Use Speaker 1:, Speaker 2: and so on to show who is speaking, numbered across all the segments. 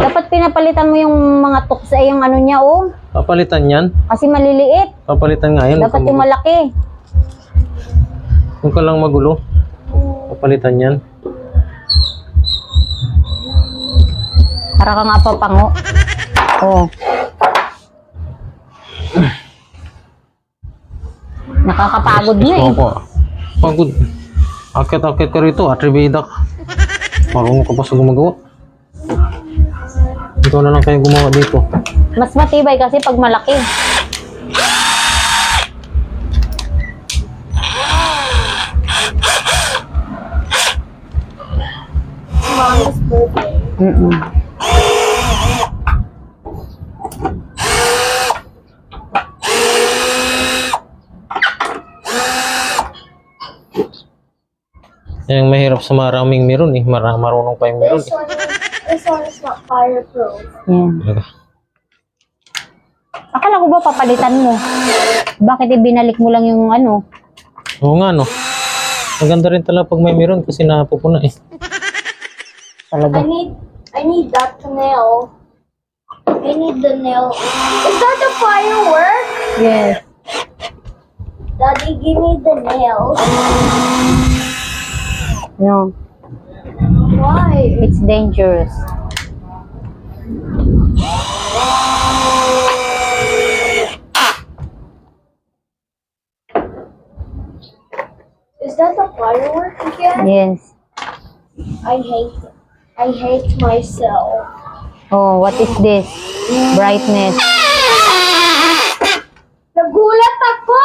Speaker 1: Dapat pinapalitan mo yung mga tuksa, yung ano niya, oh.
Speaker 2: Papalitan yan?
Speaker 1: Kasi maliliit.
Speaker 2: Papalitan nga yan.
Speaker 1: Dapat yung malaki.
Speaker 2: Huwag ka lang magulo. Papalitan yan.
Speaker 1: Para kang apapango. Oh. Nakakapagod na eh.
Speaker 2: Ako. Pagod. Akit-akit ka rito. Atribida ka. Marunong ka pa sa gumagawa. Ikaw na lang kayo gumawa dito.
Speaker 1: Mas matibay kasi pag malaki.
Speaker 3: Mom's birthday.
Speaker 2: Yung mahirap sa maraming meron eh. Marunong pa yung meron eh.
Speaker 3: This one is not fireproof.
Speaker 1: Yan. Akala ko ba papalitan mo? Bakit ibinalik mo lang yung ano?
Speaker 2: Oo nga no. Maganda rin talaga pag may meron kasi napupuna eh.
Speaker 1: Talaga.
Speaker 3: I need that nail. I need the nail. Is that the firework?
Speaker 1: Yes.
Speaker 3: Daddy, give me the nails.
Speaker 1: No.
Speaker 3: Why?
Speaker 1: It's dangerous.
Speaker 3: Is that the firework again?
Speaker 1: Yes.
Speaker 3: I hate myself.
Speaker 1: Oh, what is this? Brightness.
Speaker 3: Nagulat ako!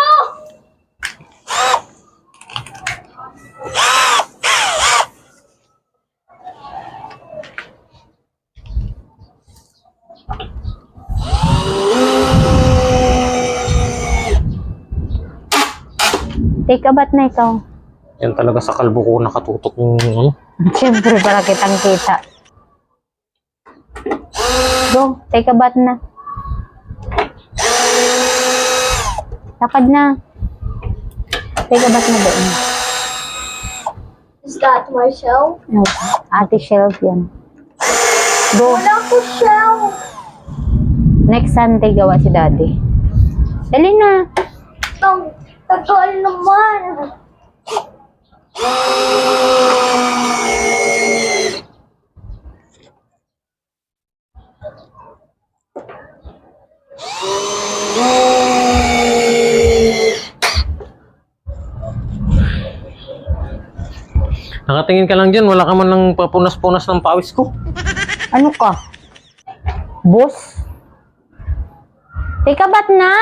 Speaker 1: Take a bath na ikaw.
Speaker 2: Yan talaga sa kalbo ko nakatutok yung ano.
Speaker 1: Siyempre, para kitang kita. Go, take a bath na. Lakad na. Take a bath na doon.
Speaker 3: Is that my shell?
Speaker 1: No, ate shelf yan. Go.
Speaker 3: Wala ko shell!
Speaker 1: Next Sunday gawa si daddy. Dali na.
Speaker 3: Ang tagal naman!
Speaker 2: Nakatingin ka lang dyan. Wala ka man ng papunas-punas ng pawis ko.
Speaker 1: Ano ka? Boss? Take a bath na.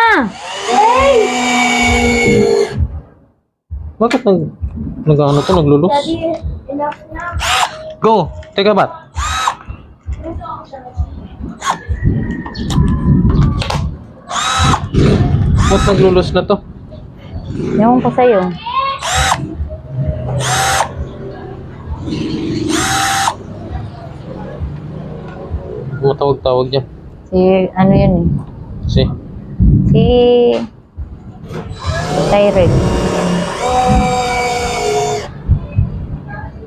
Speaker 2: Bakit nag-ano to? Naglulus?
Speaker 3: Daddy, enough na.
Speaker 2: Go! Take a bath. Ba't naglulus na to?
Speaker 1: Ewan ko sa'yo.
Speaker 2: Matawag-tawag dyan.
Speaker 1: Si, ano yun eh.
Speaker 2: Si.
Speaker 1: Si Tyrell.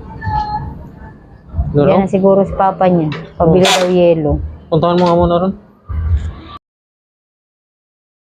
Speaker 2: Ano raw?
Speaker 1: Yan na siguro si papa niya. Pabili daw yelo.
Speaker 2: Puntahan mo nga muna ron.